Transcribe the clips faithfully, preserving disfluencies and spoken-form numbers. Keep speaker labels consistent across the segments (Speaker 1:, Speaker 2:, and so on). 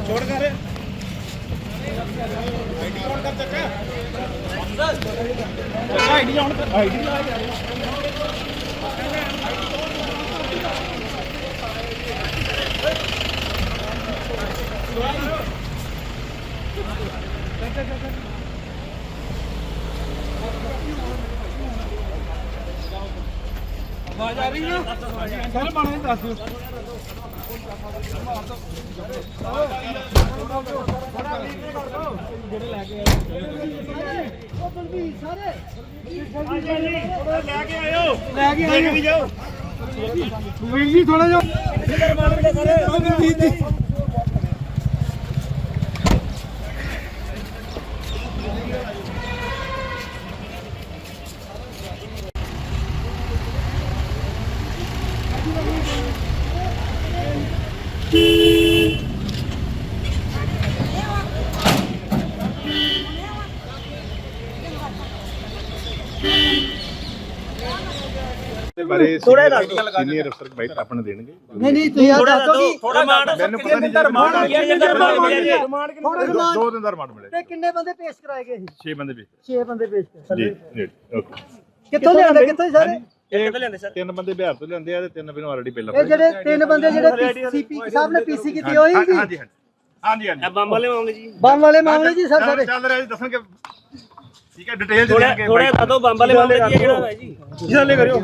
Speaker 1: ਛੋੜ ਕਰ ਆਈਡੀ ਆਨ ਕਰ ਚੱਕਾ ਆਈਡੀ ਆਨ ਕਰ ਆਈਡੀ ਲਾ ਯਾਰ आवाज आ रही है सर माने दस ਜਿਹੜੇ ਲੈ ਕੇ ਆਏ ਉਹ ਬਲਵੀਰ ਸਾਰੇ ਲੈ ਕੇ ਆਇਓ ਲੈ ਕੇ ਆਇਓ ਵੀ ਜਾਓ ਵੀਰ ਜੀ ਥੋੜਾ ਜਿਹਾ ਮਾਰ ਕੇ ਸਾਰੇ ਵੀਰ ਜੀ ਬਾਰੇ ਸੀਨੀਅਰ ਅਫਸਰ ਬਾਈ ਆਪਣੇ ਦੇਣਗੇ
Speaker 2: ਨਹੀਂ ਨਹੀਂ ਤੁਸੀਂ ਆ ਦੱਸੋ ਕਿ
Speaker 1: ਥੋੜਾ ਮੈਨੂੰ ਪਤਾ ਨਹੀਂ ਰਿਮਾਂਡ ਆ ਗਿਆ ਦੋ ਦਿਨ ਦਾ ਰਿਮਾਂਡ ਮਿਲੇ
Speaker 2: ਤੇ ਕਿੰਨੇ ਬੰਦੇ ਪੇਸ਼ ਕਰਾਏ ਗਏ ਸੀ
Speaker 1: ਛੇ ਬੰਦੇ ਵੀ
Speaker 2: ਛੇ ਬੰਦੇ ਪੇਸ਼ ਕਰਾਏ
Speaker 1: ਜੀ ਜੀ ਓਕੇ
Speaker 2: ਕਿੱਥੋਂ ਲਿਆਂਦੇ ਕਿੱਥੋਂ ਸਾਰੇ
Speaker 1: ਕਿੱਥੋਂ ਲਿਆਂਦੇ ਸਰ ਤਿੰਨ ਬੰਦੇ ਬਿਹਾਰ ਤੋਂ ਲਿਆਂਦੇ ਆ ਤੇ ਤਿੰਨ ਮੈਨੂੰ ਆਲਰੇਡੀ ਪਹਿਲਾਂ
Speaker 2: ਇਹ ਜਿਹੜੇ ਤਿੰਨ ਬੰਦੇ ਜਿਹੜੇ ਸੀਪੀ ਸਾਹਿਬ ਨੇ ਪੀਸੀ ਕੀਤੀ ਹੋਈ ਸੀ
Speaker 1: ਹਾਂਜੀ ਹਾਂਜੀ ਹਾਂਜੀ ਹਾਂਜੀ
Speaker 3: ਬੰਬ ਵਾਲੇ ਮਾਮਲੇ ਜੀ
Speaker 2: ਬੰਬ ਵਾਲੇ ਮਾਮਲੇ ਜੀ ਸਰ ਸਾਰੇ
Speaker 1: ਚੱਲ ਰਿਹਾ ਜੀ ਦੱਸਣਗੇ ਠੀਕ ਹੈ ਡਿਟੇਲ
Speaker 3: ਥੋੜਾ ਥੋੜਾ ਦੱਸੋ ਬੰਬ ਵਾਲੇ ਮਾਮਲੇ ਕੀ ਜਿਹੜਾ ਹੋਇਆ ਜੀ
Speaker 1: ਚੱਲੇ ਕਰਿਓ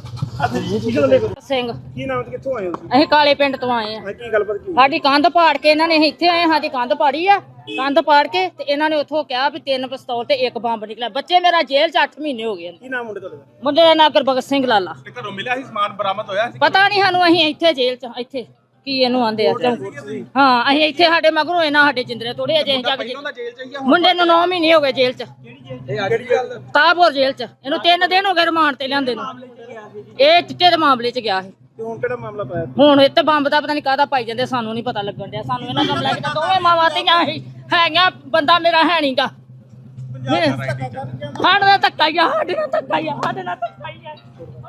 Speaker 4: ਸਿੰਘ
Speaker 1: ਕੀ ਨਾਮ ਤੇ ਕਿੱਥੋਂ ਆਏ ਹੋ ਤੁਸੀਂ
Speaker 4: ਅਸੀਂ ਕਾਲੇ ਪਿੰਡ ਤੋਂ ਆਏ ਆ
Speaker 1: ਕੀ ਗੱਲਬਾਤ ਕੀ
Speaker 4: ਸਾਡੀ ਕੰਧ ਪਾੜ ਕੇ ਇਹਨਾਂ ਨੇ ਅਸੀਂ ਇੱਥੇ ਆਏ ਸਾਡੀ ਕੰਧ ਪਾੜੀ ਆ ਕੰਧ ਪਾੜ ਕੇ ਤੇ ਇਹਨਾਂ ਨੇ ਉੱਥੋਂ ਕਿਹਾ ਵੀ ਤਿੰਨ ਪਿਸਤੌਲ ਤੇ ਇੱਕ ਬੰਬ ਨਿਕਲਿਆ ਬੱਚੇ ਮੇਰਾ ਜੇਲ੍ਹ ਚ ਅੱਠ ਮਹੀਨੇ ਹੋ ਗਏ
Speaker 1: ਕੀ ਨਾਮ ਮੁੰਡੇ ਤੁਹਾਡੇ ਦਾ
Speaker 4: ਮੁੰਡੇ ਦਾ ਨਾਂ ਗੁਰਬਖਸ਼ ਸਿੰਘ ਲਾਲਾ
Speaker 1: ਤੇ ਘਰੋਂ ਮਿਲਿਆ ਸੀ ਸਮਾਨ ਬਰਾਮਦ ਹੋਇਆ ਸੀ
Speaker 4: ਪਤਾ ਨਹੀਂ ਸਾਨੂੰ ਅਸੀਂ ਇੱਥੇ ਜੇਲ੍ਹ ਚ ਇੱਥੇ ਕੀ ਇਹਨੂੰ ਆਂਦੇ ਆ ਹਾਂ ਅਸੀਂ ਇੱਥੇ ਸਾਡੇ ਮਗਰੋਂ ਇਹਨਾਂ ਸਾਡੇ ਜਿੰਦਰੇ ਤੋੜੇ ਅਜੇ ਅਸੀਂ ਜਾ ਕੇ ਮੁੰਡੇ ਨੂੰ ਨੌ ਮਹੀਨੇ ਹੋ ਗਏ ਜੇਲ੍ਹ ਚ ਤਾਬੋਰ ਜੇਲ੍ਹ ਚ ਇਹਨੂੰ ਤਿੰਨ ਦਿਨ ਹੋ ਗਏ ਰਿਮਾਂਡ ਤੇ ਲਿਆਂਦੇ ਨੂੰ ਇਹ ਚਿੱਟੇ ਦੇ ਮਾਮਲੇ ਚ ਗਿਆ ਸੀ
Speaker 1: ਤੇ ਹੁਣ ਕਿਹੜਾ ਮਾਮਲਾ ਪਾਇਆ
Speaker 4: ਹੁਣ ਇੱਥੇ ਬੰਬ ਦਾ ਪਤਾ ਨਹੀਂ ਕਾਹਦਾ ਪਾਈ ਜਾਂਦੇ ਸਾਨੂੰ ਨਹੀਂ ਪਤਾ ਲੱਗਣ ਡਿਆ ਸਾਨੂੰ ਇਹਨਾਂ ਦਾ ਬਲੈਕ ਦੋਵੇਂ ਮਾਵਾਂ ਧੀਆਂ ਹੀ ਹੈਗੀਆਂ ਬੰਦਾ ਮੇਰਾ ਹੈ ਨਹੀਂਗਾ ਸਾਡੇ ਨਾਲ ਧੱਕਾ ਹੀ ਆ ਸਾਡੇ ਨਾਲ ਧੱਕਾ ਹੀ ਆ ਸਾਡੇ ਨਾਲ ਧੱਕਾ ਹੀ ਆ